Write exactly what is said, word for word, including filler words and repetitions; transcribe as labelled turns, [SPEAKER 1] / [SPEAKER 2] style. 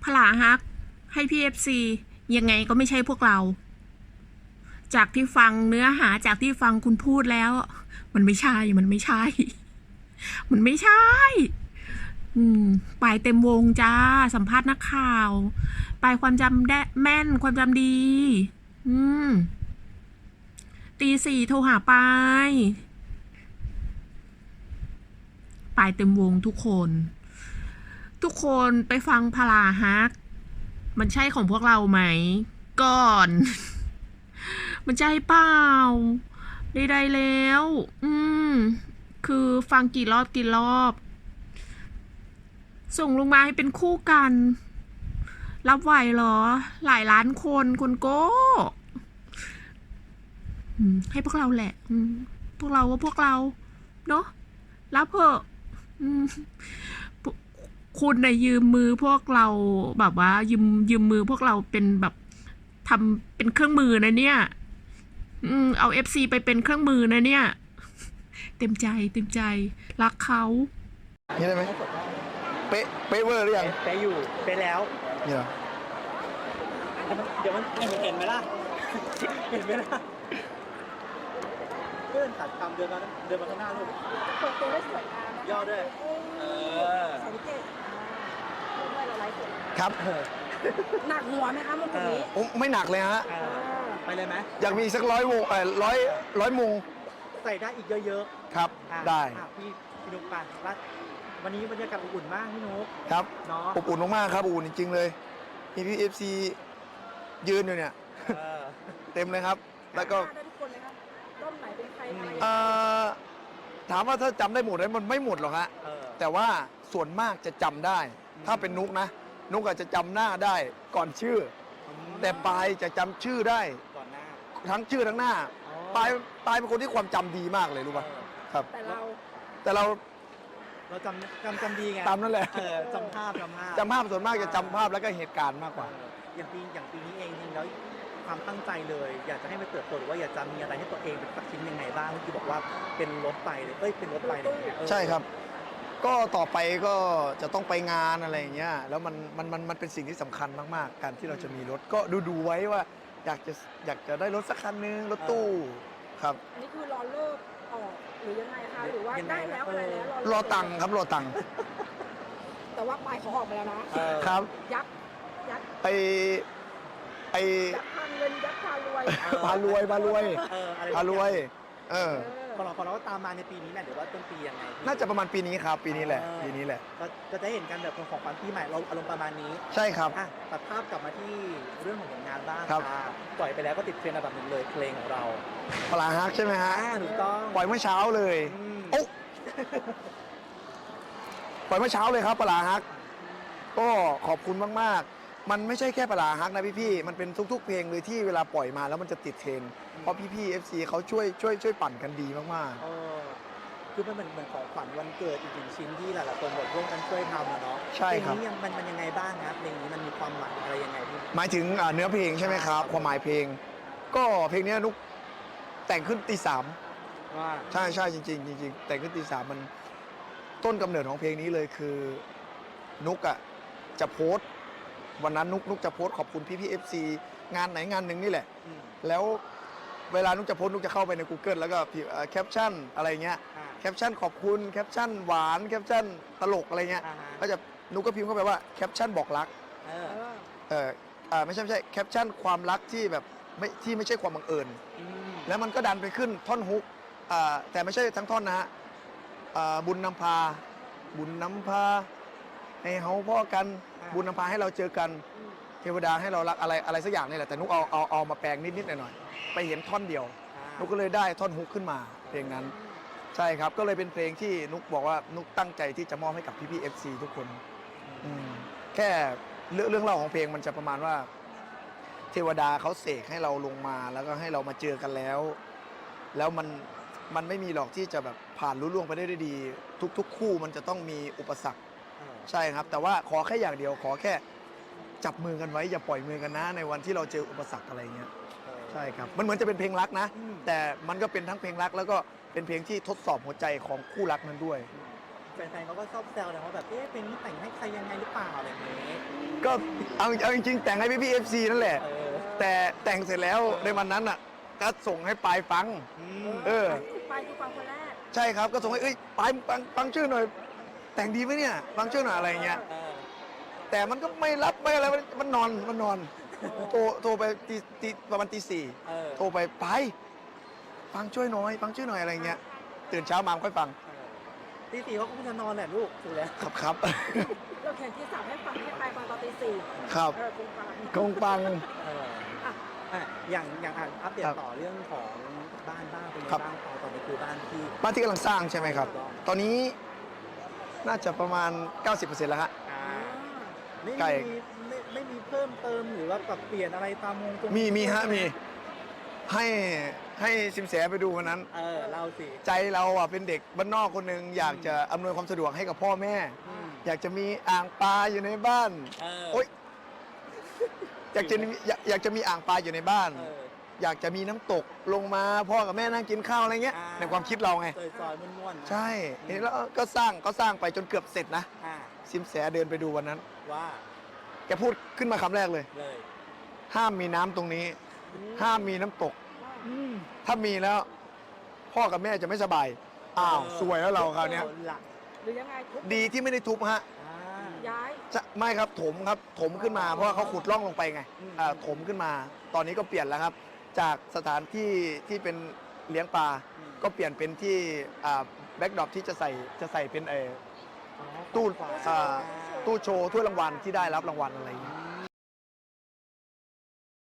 [SPEAKER 1] พลาฮักให้พี่เอฟซียังไงก็ไม่ใช่พวกเรา จากที่ฟังเนื้อหาจากที่ฟังคุณพูดแล้ว มันไม่ใช่มันไม่ใช่ มันไม่ใช่ อืมปลายเต็มวงจ้าสัมภาษณ์นักข่าวปลายความจำได้แม่นความจำดี อืมตีสี่โทรหาปายปลายเต็มวงทุกคน ทุกคนไปฟังพลาฮัก มันใช่ของพวกเราไหม ก่อน มันใช่เปล่าใดๆแล้ว อืม คือฟังกี่รอบกี่รอบ ส่งลงมาให้เป็นคู่กัน รับไหวเหรอ หลายล้านคนคุณโก้ให้พวกเราแหละพวกเราว่าพวกเราเนาะรับเถอะคุณนะยืมมือพวกเราแบบว่ายืมยืมมือพวกเราเป็นแบบทำเป็นเครื่องมือนะเนี่ยอืมเอาเอฟซีไปเป็นเครื่องมือนะเนี่ยเต็มใจเต็มใจรักเขา
[SPEAKER 2] นี่ได้ไหมเป๊ะเป๊ะเวอร์หรือยัง
[SPEAKER 3] เป๊ะอยู่เป๊ะแล้ว
[SPEAKER 2] นี่เหรอ
[SPEAKER 3] เดี๋ยวมันเห็นไหมล่ะเห็นไหมล่ะเพื่อนตัดคำเดินมาเดินมาข้างหน้าลูก
[SPEAKER 4] เปิดตัวได้สวยงาม
[SPEAKER 3] ย่อด้วยเออ
[SPEAKER 4] สังเกตด้วยเราไลฟ์สด
[SPEAKER 2] ครับ
[SPEAKER 4] หนักหัวไหมคะมุกนี้
[SPEAKER 2] ไม่หนักเลยฮะ
[SPEAKER 3] ไปเลยไหม
[SPEAKER 2] อยากมีสักร้อยวงเออร้อยร้อยมุง
[SPEAKER 3] ใส่ได้อีกเยอะ
[SPEAKER 2] ๆครับได้
[SPEAKER 3] พี่พี่นุ๊กไปวันนี้บรรยากาศอบอุ่นมากพี่นุ๊ก
[SPEAKER 2] ครับอบอุ่นมากๆครับอบอุ่นจริงๆเลยมีพี่เอฟซียืนอยู่เนี่ยเต็มเลยครับแล้วก็ถามว่าถ้าจำได้หมดไหมมันไม่หมดหรอกฮะแต่ว่าส่วนมากจะจำได้ถ้าเป็นนุกนะนุกอาจจะจำหน้าได้ก่อนชื่อแต่ปายจะจำชื่อได้
[SPEAKER 3] ก่อนหน้า
[SPEAKER 2] ทั้งชื่อทั้งหน้าปายปายเป็นคนที่ความจำดีมากเลยรู้ป่ะครับ
[SPEAKER 4] แต่เรา
[SPEAKER 2] แต่เรา
[SPEAKER 3] เราจำจำจำดีไง
[SPEAKER 2] ตามนั่นแหละ
[SPEAKER 3] จำภาพจำภาพ
[SPEAKER 2] จำภาพส่วนมากจะจำภาพแล้วก็เหตุการณ์มากกว่า
[SPEAKER 3] อย่างปีอย่างปีนี้เองจริงแล้วความตั้งใจเลยอยากจะให้มันเติบโตหรือว่าอยากจะมีอะไรให้ตัวเองเป็นสักชิ้นยังไงบ้างที่บอกว่าเป็นรถไฟเลยเอ้ยเป็นรถไฟเลย
[SPEAKER 2] ใช่ครับก็ต่อไปก็จะต้องไปงานอะไรอย่างเงี้ยแล้วมันมันมันมันเป็นสิ่งที่สำคัญมากๆการที่เราจะมีรถก็ดูดูไว้ว่าอยากจะอยากจะได้รถสักคันนึงรถตู้ครับ
[SPEAKER 4] อันนี้คือรอเลิกออกหรือยังไงคะหรือว่าได้แล้วอะไรแล้ว
[SPEAKER 2] รอตังค์ครับรอตังค์
[SPEAKER 4] แต่ว่าปลายเขาออกมาแล้ว
[SPEAKER 2] นะครับ
[SPEAKER 4] ยักยัก
[SPEAKER 2] ไปไอ
[SPEAKER 4] ยักพาเงินยักพารวย
[SPEAKER 2] พารวยพารวยพารวยเออ
[SPEAKER 3] พอเราพอเราตามมาในปีนี้แหละหรือว่าต้นปียังไง
[SPEAKER 2] น่าจะประมาณปีนี้ครับปีนี้แหละปีนี้แหละ
[SPEAKER 3] ก็จะเห็นกันแบบของขวัญปีใหม่เราอารมณ์ประมาณนี้
[SPEAKER 2] ใช่ครับ
[SPEAKER 3] ตัดภาพกลับมาที่เรื่องของผลงานบ้างครับปล่อยไปแล้วก็ติดเทรนด์อันดับหนึ่งเลยเพลงของเรา
[SPEAKER 2] ปลาฮักใช่ไหมฮะ
[SPEAKER 3] ถูกต้อง
[SPEAKER 2] ปล่อยเมื่อเช้าเลยโอ้ปล่อยเมื่อเช้าเลยครับปลาฮักก็ขอบคุณมากๆมันไม่ใช่แค่ปลาฮักนะพี่ๆมันเป็นทุกๆเพลงเลยที่เวลาปล่อยมาแล้วมันจะติดเทรนด์เพราะพี่ๆ เอฟ ซี เขาช่วยช่วยช่วยปั่นกันดีมาก
[SPEAKER 3] ๆคือมันเหมือนเหมือนของขวัญวันเกิดอีกหนึ่งชิ้นที่หลายๆคนร่วมกันช่วยทำเนาะ
[SPEAKER 2] ใช่ครับ
[SPEAKER 3] เพลงนี้มันมันยังไงบ้างครับเพลงนี้มันมีความหมายอะไรยังไงพี่
[SPEAKER 2] หมายถึงเนื้อเพลงใช่ไหมครับความหมายเพลงก็เพลงนี้นุกแต่งขึ้นตีสามใช่ใช่จริงๆจริงๆแต่งขึ้นตีสามมันต้นกำเนิดของเพลงนี้เลยคือนุกอ่ะจะโพสต์วันนั้นนุกนุกจะโพสต์ขอบคุณพี่พี่เอฟซีงานไหนงานหนึ่งนี่แหละแล้วเวลานุกจะโพสต์นุกจะเข้าไปใน Google แล้วก็แคปชั่นอะไรเงี้ยแคปชั่นขอบคุณแคปชั่นหวานแคปชั่นตลกอะไรเงี้ยก็จะนุกก็พิมพ์เข้าไปว่าแคปชั่นบอกรักเออเออไม่ใช่ไม่ใช่แคปชั่นความรักที่แบบไม่ที่ไม่ใช่ความบังเอิญแล้วมันก็ดันไปขึ้นท่อนฮุกแต่ไม่ใช่ทั้งท่อนนะฮะบุญนำพาบุญนำพาให้เฮาพ่อกันบุญนำพาให้เราเจอกันเทวดาให้เรารักอะไรอะไรสักอย่างนี่แหละแต่นุกเอาเอาเอามาแปลงนิดๆหน่อยๆไปเห็นท่อนเดียวนุกก็เลยได้ท่อนฮุกขึ้นมาเพลงนั้นใช่ครับก็เลยเป็นเพลงที่นุกบอกว่านุกตั้งใจที่จะมอบให้กับพี่ๆ เอฟ ซี ทุกคนแค่เรื่องเรื่องเล่าของเพลงมันจะประมาณว่าเทวดาเขาเสกให้เราลงมาแล้วก็ให้เรามาเจอกันแล้วแล้วมันมันไม่มีหรอกที่จะแบบผ่านรุ่ล่วงไปได้ด้วยดีทุกๆคู่มันจะต้องมีอุปสรรคใช่ครับแต่ว่าขอแค่อย่างเดียวขอแค่จับมือกันไว้อย่าปล่อยมือกันนะในวันที่เราเจออุปสรรคอะไรเงี้ยใช่ครับมันเหมือนจะเป็นเพลงรักนะแต่มันก็เป็นทั้งเพลงรักแล้วก็เป็นเพลงที่ทดสอบหัวใจของคู่รักนั้นด้วย
[SPEAKER 3] แฟนๆเขาก็ชอบแซวนะว่าแบบเอ๊ะเพลงนี้แต่งให้ใครยังไงหรือเปล่าอะไรอย่างเงี้ย
[SPEAKER 2] ก็เอาเอาจริงๆแต่งให้พี่พี่เอฟซีนั่นแหละ
[SPEAKER 3] เออ
[SPEAKER 2] แต่แต่งเสร็จแล้วในวันนั้นอ่ะก็ส่งให้ปายฟัง
[SPEAKER 3] อืม
[SPEAKER 2] เออ
[SPEAKER 4] ไปคือฟังคนแรก
[SPEAKER 2] ใช่ครับก็ส่งให้เอ้ยปายฟังฟังชื่อหน่อย แต่งดีไหมเนี่ยฟังชื่อหน่อยอะไรเงี้ย
[SPEAKER 3] เออ
[SPEAKER 2] แต่มันก็ไม่รับไม่อะไรมันมันนอนมันนอนโทรโทรไปตีตีประมาณตีสี่
[SPEAKER 3] เออ
[SPEAKER 2] โทรไปไปฟังช่วยหน่อยฟังช่วยหน่อยอะไรเงี้ยตื่นเช้ามาค่อยฟัง
[SPEAKER 3] เออตีสี่เขาก็คงจะนอนแหละลูกถูกแล้ว
[SPEAKER 2] ครับครับ
[SPEAKER 4] เราเขียนที่สามให้ฟังให้ไปฟังตอนตีสี่
[SPEAKER 2] ครับ
[SPEAKER 4] เออคงฟัง
[SPEAKER 2] กงปัง
[SPEAKER 3] เออ
[SPEAKER 4] อ่ะ
[SPEAKER 3] อ่ะอย่างอย่างอ่ะอัปเดต
[SPEAKER 2] ครับ
[SPEAKER 3] ต่อเรื่องของบ้านบ้างเป็นไง
[SPEAKER 2] ครับ
[SPEAKER 3] บ้างพอตอนนี้คือบ้านที่
[SPEAKER 2] บ้านที่กำลังสร้างใช่ไหมครับ ตอนนี้น่าจะประมาณ เก้าสิบเปอร์เซ็นต์ แล้วฮะ
[SPEAKER 3] อ่า
[SPEAKER 4] อ่า
[SPEAKER 3] ไม่
[SPEAKER 2] ไก่
[SPEAKER 3] มีไม่ไม่มีเพิ่มเติมหรือว่าปรับเปลี่ยนอะไรตามวงจร
[SPEAKER 2] มีมีฮะมีให้ให้สิมแสไปดูวันนั้น
[SPEAKER 3] เออเล่าสิ
[SPEAKER 2] ใจเราอ่ะเป็นเด็กบ้านนอกคนหนึ่งอยากจะอำนวยความสะดวกให้กับพ่อแม่
[SPEAKER 3] อืม
[SPEAKER 2] อยากจะมีอ่างปลาอยู่ในบ้าน
[SPEAKER 3] เออ
[SPEAKER 2] โอ๊ยอยากจะมีอยากอยากจะมีอ่างปลาอยู่ในบ้าน
[SPEAKER 3] เออ
[SPEAKER 2] อยากจะมีน้ำตกลงมาพ่อกับแม่นั่งกินข้าวอะไรเงี้ย
[SPEAKER 3] อ่า
[SPEAKER 2] ในความคิดเราไง
[SPEAKER 3] ซอยซอยๆม่วนๆนะ
[SPEAKER 2] ใช่เห็นแล้วก็สร้างก็สร้างไปจนเกือบเสร็จนะ
[SPEAKER 3] อ่า
[SPEAKER 2] สิมแสเดินไปดูวันนั้น
[SPEAKER 3] ว่า
[SPEAKER 2] แกพูดขึ้นมาคำแรกเลย
[SPEAKER 3] เลย
[SPEAKER 2] ห้ามมีน้ำตรงนี้ ห้ามมีน้ำตก
[SPEAKER 3] อืม
[SPEAKER 2] ถ้ามีแล้ว พ่อกับแม่จะไม่สบาย อ้าวสวยแล้วเราคราวเนี้ย
[SPEAKER 3] หลัก
[SPEAKER 4] หรือยังไงทุบ
[SPEAKER 2] ดีที่ไม่ได้ทุบฮะ
[SPEAKER 3] อ่า
[SPEAKER 4] ย้าย
[SPEAKER 2] จะไม่ครับถมครับถมขึ้นมาเพราะว่าเขาขุดร่องลงไปไง
[SPEAKER 3] อืม
[SPEAKER 2] อ่าถมขึ้นมา ตอนนี้ก็เปลี่ยนแล้วครับ จากสถานที่ที่เป็นเลี้ยงปลา
[SPEAKER 3] อืม
[SPEAKER 2] ก็เปลี่ยนเป็นที่แบ็กดรอปที่จะใส่จะใส่เป็นเออ
[SPEAKER 3] อ๋อ
[SPEAKER 2] ตู้
[SPEAKER 3] ขวา
[SPEAKER 2] อ่าตู้โชว์ถ้วยรางวัลที่ได้รับรางวัลอะไรอย่างเงี้ย